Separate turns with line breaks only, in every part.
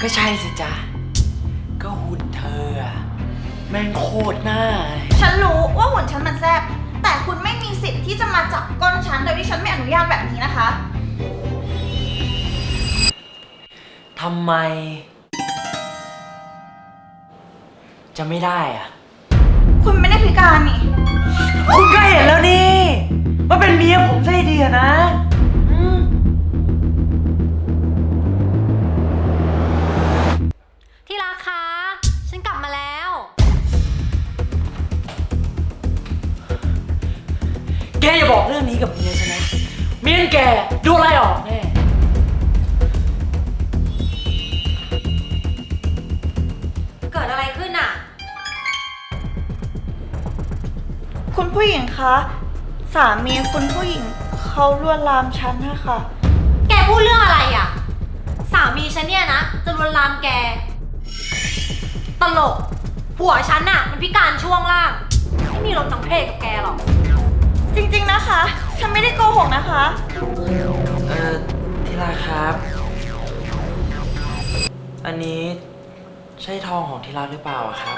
ก็ใช่สิจ๊ะก็หุ่นเธออะแม่งโคตรหน้าเลย
ฉันรู้ว่าหุ่นฉันมันแซ่บแต่คุณไม่มีสิทธิ์ที่จะมาจับก้นฉันโดยที่ฉันไม่อนุญาตแบบนี้นะคะ
ทำไมจะไม่ได้อะ
คุณไม่ได้พิการนี่
คุณก็เห็นแล้วนี่ว่าเป็นเมียผมซะดีอะนะ
ที่รักคะฉันกลับมาแล้ว
แกอย่าบอกเรื่องนี้กับเมียฉันนะเมียแกโดนไล่ออกแน่
เกิดอะไรขึ้นอ่ะ
คุณผู้หญิงคะสามีคุณผู้หญิงเขาลวนลามฉันนะคะ
แกพูดเรื่องอะไรอ่ะสามีฉันเนี่ยนะจะลวนลามแกตลกผัวฉันน่ะมันพิการช่วงล่างไม่มีรถทั้งเพศกับแกหรอก
จริงๆนะคะฉันไม่ได้โกหกนะคะ
ที่รักครับ อันนี้ใช่ทองของที่รักหรือเปล่าครับ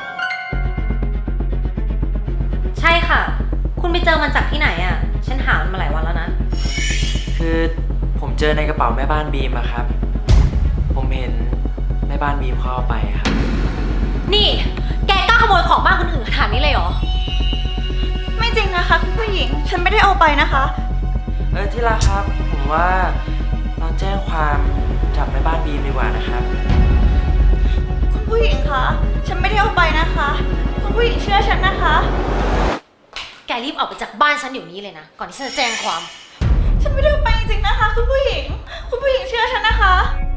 ใช่ค่ะคุณไปเจอมันจากที่ไหนอ่ะฉันหามันมาหลายวันแล้วนะ
คือผมเจอในกระเป๋าแม่บ้านบีมอะครับผมเห็นแม่บ้านบีมเขาเอาไปครับ
นี่แกกล้าขโมยของบ้านคนอื่นขนาดนี้เลยเหรอ
ไม่จริงนะคะคุณผู้หญิงฉันไม่ได้เอาไปนะคะ
ที่รักครับผมว่าเราแจ้งความจับแม่บ้านบีมดีกว่านะครับ
คุณผู้หญิงคะฉันไม่ได้เอาไปนะคะคุณผู้หญิงเชื่อฉันนะคะ
แกรีบออกไปจากบ้านฉันเดี๋ยวนี้เลยนะก่อนที่ฉันจะแจ้งความ
ฉันไม่ได้เอาไปจริงๆนะคะคุณผู้หญิงเชื่อฉันนะคะ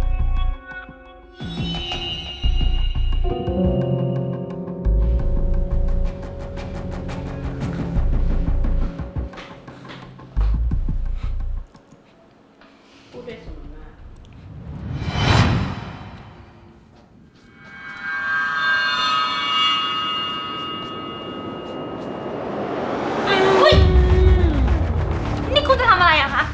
นี่คุณจะทำอะไรอะคะ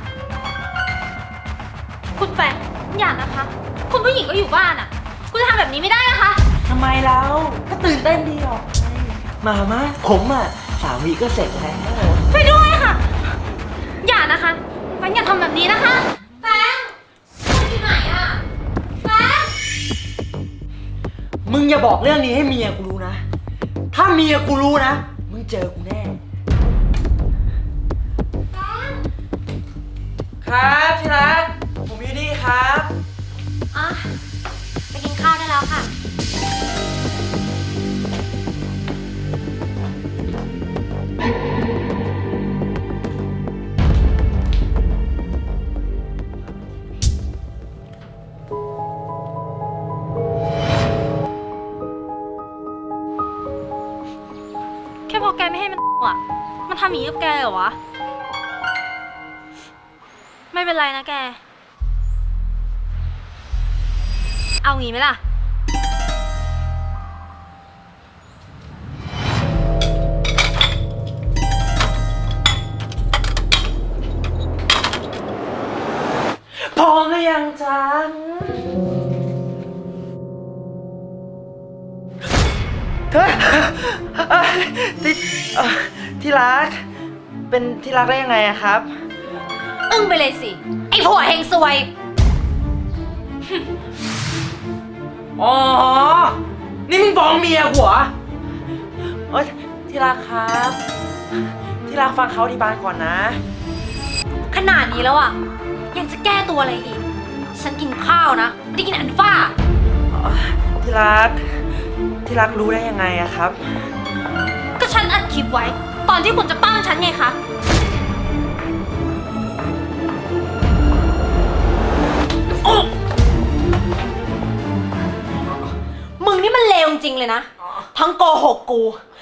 คุณแฟนอย่านะคะคุณผู้หญิงก็อยู่บ้านอะคุณจะทำแบบนี้ไม่ได้นะคะ
ทำไมเราก็ตื่นเต้นดีหรอกมาผมอะ3 วีก็เสร็จแล้ว
ช่วยด้วยค่ะอย่านะคะแฟนอย่าทำแบบนี้นะคะแฟนคุณอยู่ไหนอะแฟน
มึงอย่าบอกเรื่องนี้ให้เมียกูรู้นะถ้าเมียกูรู้นะมึงเจอกูแน่ครับที่รักผมอยู่นี่ครับ
ไปกินข้าวได้แล้วค่ะแค่พอแกไม่ให้มันมันทำอย่างนี้กับแกเหรอวะไม่เป็นไรนะแกเอางี้ไหมล่ะ
พร้อมหรือยังจ๊ะที่รักเป็นที่รักได้ยังไงอะครับ
อึ้งไปเลยสิไอ้ผัวเฮงซวย
อ๋อนี่มึงฟ้องเมียหัวที่รักครับที่รักฟังเขาที่บ้านก่อนนะ
ขนาดนี้แล้วอ่ะยังจะแก้ตัวอะไรอีกฉันกินข้าวนะไม่ได้กินอันฟ้า
ที่รักรู้ได้ยังไงอะครับ
ก็ฉันอัดคลิปไว้ตอนที่คุณจะปั้มฉันไงคะมึงนี่มันเลวจริงเลยนะทั้งโกหกกู